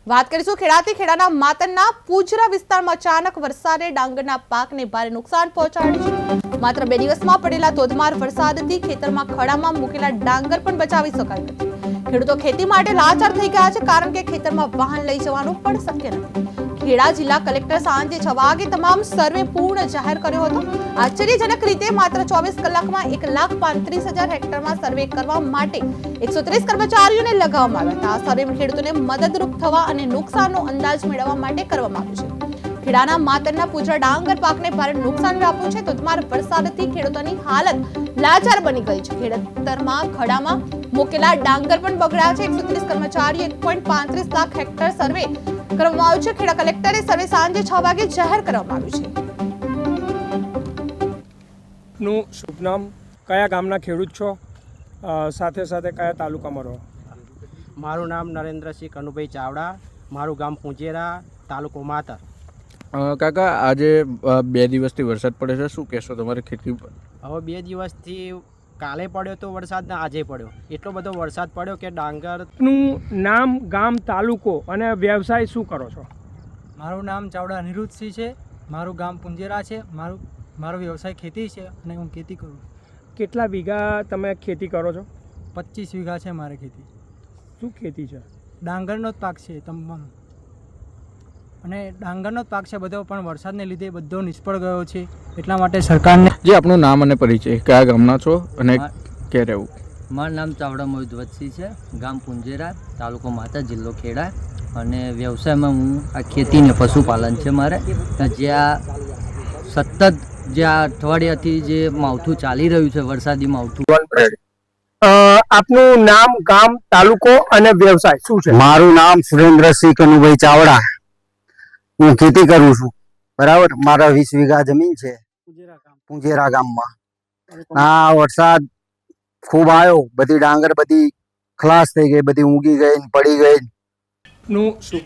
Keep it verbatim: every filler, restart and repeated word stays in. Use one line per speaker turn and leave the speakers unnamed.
વાત કરીશું ખેડાથી ખેડાના માતરના પૂજરા વિસ્તારમાં અચાનક વરસાદે ડાંગરના પાકને ભારે નુકસાન પહોંચાડ્યું છે। માત્ર બે દિવસમાં પડેલા ધોધમાર વરસાદથી ખેતરમાં ખડામાં મૂકેલા ડાંગર પણ બચાવી શકાયું નથી। ખેડૂતો ખેતી માટે લાચાર થઈ ગયા છે, કારણ કે ખેતરમાં વાહન લઈ જવાનું પણ શક્ય નથી। ખેડા જિલ્લા કલેક્ટર સાંજે છ વાગે તમામ સર્વે પૂર્ણ જાહેર કર્યો હતો। આશ્ચર્યજનક રીતે માત્ર ચોવીસ કલાકમાં એક લાખ પાંત્રીસ હજાર હેક્ટરમાં સર્વે કરવા માટે એકસો ત્રીસ કર્મચારીઓને લગાવવામાં આવ્યા હતા। આ સર્વે ખેડૂતોને મદદરૂપ થવા અને નુકસાનનો અંદાજ મેળવવા માટે કરવામાં આવ્યું છે। ખેડાના માતરના પૂજરા ડાંગર પાકને ભારે નુકસાન વ્યાપ્યું છે। ધોધમાર વરસાદથી ખેડૂતોની હાલત લાચાર બની ગઈ છે। ખેતરમાં ખડામાં મૂકેલા ડાંગર પણ બગડ્યા છે। એકસો ત્રીસ કર્મચારીઓ એક પોઈન્ટ પાંત્રીસ લાખ હેક્ટર સર્વે કરવામાં આવ્યું છે। ખેડા કલેક્ટરે સર્વે સાંજે છ વાગે જાહેર કરવામાં આવ્યું છે।
નું શુભ નામ, કયા ગામના ખેડૂત છો, સાથે સાથે કયા તાલુકામાં રહો?
મારું નામ નરેન્દ્રસિંહ કનુભાઈ ચાવડા, મારું ગામ પૂંજેરા, તાલુકો માતર।
કાકા, આજે બે દિવસથી વરસાદ પડે છે, શું કહેશો તમારી ખેતી પર?
હવે બે દિવસથી કાલે પડ્યો તો વરસાદ ને આજે પડ્યો, એટલો બધો વરસાદ પડ્યો કે ડાંગર।
નું નામ, ગામ, તાલુકો અને વ્યવસાય શું કરો છો?
મારું નામ ચાવડા અનિરુદ્ધસિંહ છે, મારું ગામ પુંજેરા છે, મારું મારો વ્યવસાય ખેતી છે અને હું ખેતી કરું છું।
કેટલા વીઘા તમે ખેતી કરો છો?
પચીસ વીઘા છે મારે ખેતી।
શું ખેતી છે?
ડાંગરનો જ પાક છે તમામ, અને ડાંગરનો જ પાક છે બધો, પણ વરસાદને લીધે બધો નિષ્ફળ ગયો છે। એટલા માટે સરકારને
જે આપનું નામ અને પરિચય, કયા ગામના છો અને ક્યાં રહેવું?
મારું નામ ચાવડા મોહિત વત્સી છે, ગામ પુંજેરા, તાલુકો માતા, જિલ્લો ખેડા, અને વ્યવસાયમાં હું આ ખેતી ને પશુપાલન છે મારે। જ્યાં સતત જે આ અઠવાડિયાથી જે માવઠું ચાલી રહ્યું છે, વરસાદી માવઠું।
આપનું નામ, ગામ, તાલુકો અને વ્યવસાય શું છે?
મારું નામ સુરેન્દ્રસિંહ કનુભાઈ ચાવડા, હું ખેતી કરું છું, બરાબર। મારા વીસ વીઘા જમીન છે પુંજેરા ગામમાં। આ વરસાદ ખૂબ આવ્યો, બધી ડાંગર બધી ખલાસ થઈ ગઈ, બધી ઊંઘી ગઈ, પડી ગઈ।
નું શુભ